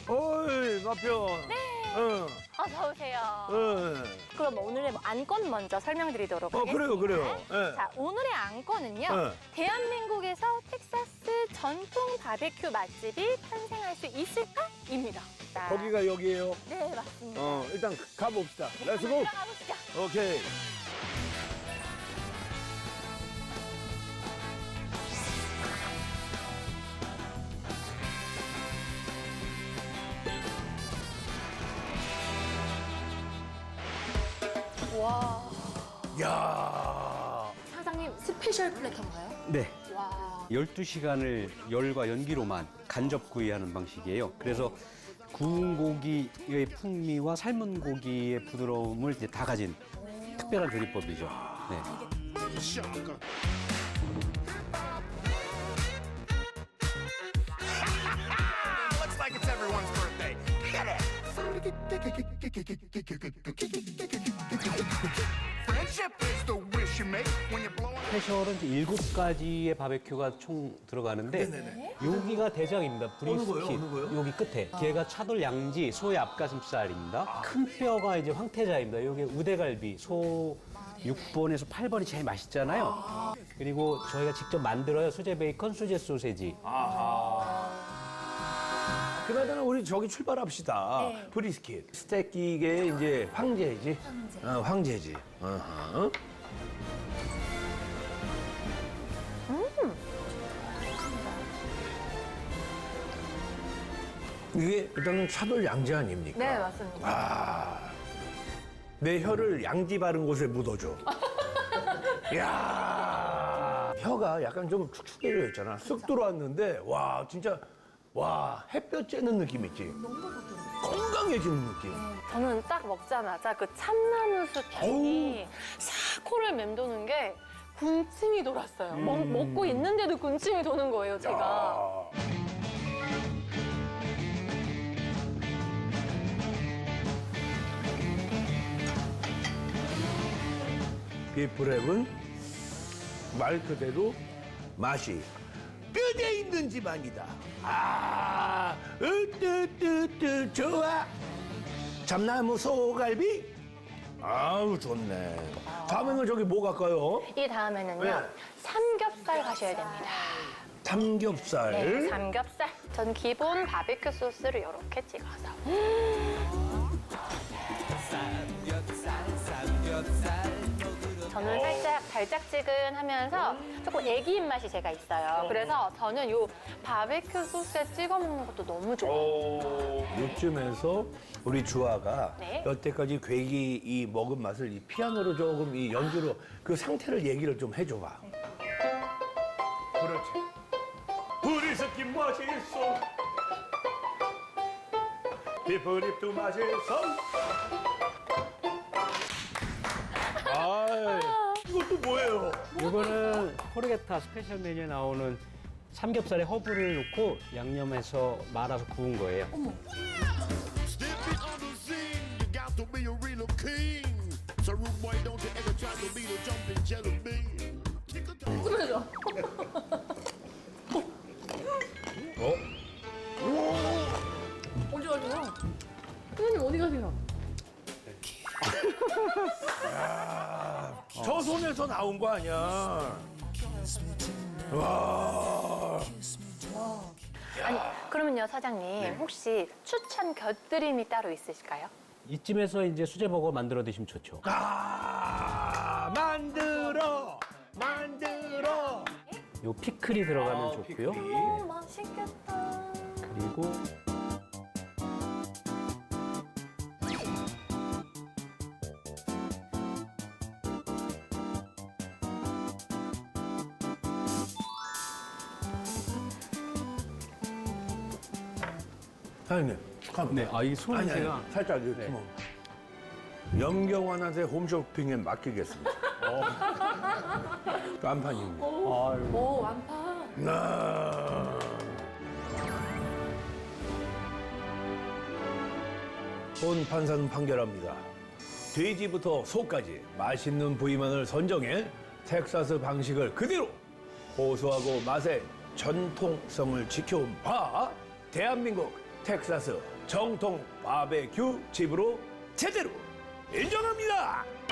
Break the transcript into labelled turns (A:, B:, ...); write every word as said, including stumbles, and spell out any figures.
A: 어이, 마편.
B: 네.
A: 응.
B: 어서 오세요.
A: 응.
B: 그럼 오늘의 뭐 안건 먼저 설명드리도록
A: 어,
B: 하겠습니다.
A: 그래요, 그래요. 예.
B: 자, 오늘의 안건은요.
A: 네.
B: 대한민국에서 텍사스 전통 바베큐 맛집이 탄생할 수 있을까?입니다. 자,
A: 거기가 여기예요.
B: 네, 맞습니다.
A: 어, 일단 가봅시다.
B: 네,
A: 렛츠고.
B: 한번 들어가 보시죠.
A: 오케이.
B: 와,
A: 야.
B: 사장님 스페셜 플래터인가요?
C: 네.
B: 와,
C: 열두 시간을 열과 연기로만 간접 구이하는 방식이에요. 그래서 구운 고기의 풍미와 삶은 고기의 부드러움을 이제 다 가진 특별한 조리법이죠. 네.
D: Looks like it's everyone's birthday. Hit it! Friendship is the wish you make when you're blowing.
C: 스페셜은 이제 일곱 가지의 바베큐가 총 들어가는데 여기가 대장입니다.
A: 어느 거요?
C: 브리스킷.
A: 어느 거요?
C: 여기 끝에. 걔가 차돌 양지, 소의 앞가슴살입니다. 큰 뼈가 이제 황태자입니다. 여기 우대갈비, 소 육 번에서 팔 번이 제일 맛있잖아요. 그리고 저희가 직접 만들어요. 수제 베이컨, 수제 소세지.
A: 그나저나 우리 저기 출발합시다.
B: 네.
A: 브리스킷. 스테이크의 이제 황제지. 황제. 어, 황제지. 어허. 이게 일단은 차돌 양지 아닙니까?
B: 네, 맞습니다.
A: 아, 내 혀를 양지 바른 곳에 묻어줘. 이야, 혀가 약간 좀 축축해져 있잖아. 쑥 들어왔는데, 와, 진짜, 와, 햇볕 쬐는 느낌 있지? 건강해지는 느낌.
B: 저는 딱 먹자마자 그 참나무 숲이 싹 코를 맴도는 게 군침이 돌았어요. 먹, 먹고 있는데도 군침이 도는 거예요, 제가.
A: 아. 비프랩은 말 그대로 맛이 뼈대 있는 집안이다. 아, 으뜨뜨뜨 좋아. 참나무 소갈비? 아우 좋네. 다음에는 저기 뭐 갈까요?
B: 이 다음에는요,
A: 네.
B: 삼겹살 가셔야 됩니다.
A: 삼겹살.
B: 네, 삼겹살. 전 기본 바베큐 소스를 이렇게 찍어서. 저는 살짝 달짝지근하면서 조금 애기 입맛이 제가 있어요. 그래서 저는 요 바베큐 소스에 찍어 먹는 것도 너무 좋아요.
A: 요쯤에서 우리 주아가
B: 네.
A: 여태까지 괴기 이 먹은 맛을 이 피아노로 조금 이 연주로 그 상태를 얘기를 좀 해줘봐. 그렇지. 브리스킷 맛있어. 비프립도 맛있어. 아, 이것도 뭐예요?
C: 이거는 포르게타 스페셜 메뉴에 나오는 삼겹살에 허브를 넣고 양념해서 말아서 구운 거예요.
E: Step it on the scene, you got to be a real king. So rude boy, don't you ever try to be the jumping jelly bean. Kick a
A: 어?
F: 어디 가세요? 선생님 어디 가세요?
A: 저 손에서 나온 거 아니야? 와.
B: 아니, 그러면요, 사장님. 혹시 추천 곁들임이 따로 있으실까요?
C: 이쯤에서 이제 수제버거 만들어 드시면 좋죠.
A: 아, 만들어, 만들어.
C: 요 피클이 들어가면
A: 아,
C: 좋고요.
A: 피클이.
B: 오, 맛있겠다.
C: 그리고
A: 사장님, 잠깐만.
C: 네, 아, 이 손
A: 아니,
C: 제가
A: 아니, 살짝 이렇게
C: 네.
A: 뭐. 염경환한테 홈쇼핑에 맡기겠습니다. 어. 깜판입니다.
F: 오 완판.
A: 나. 본 판사는 판결합니다. 돼지부터 소까지 맛있는 부위만을 선정해 텍사스 방식을 그대로 고소하고 맛의 전통성을 지켜온 바 대한민국 텍사스 정통 바베큐 집으로 제대로 인정합니다.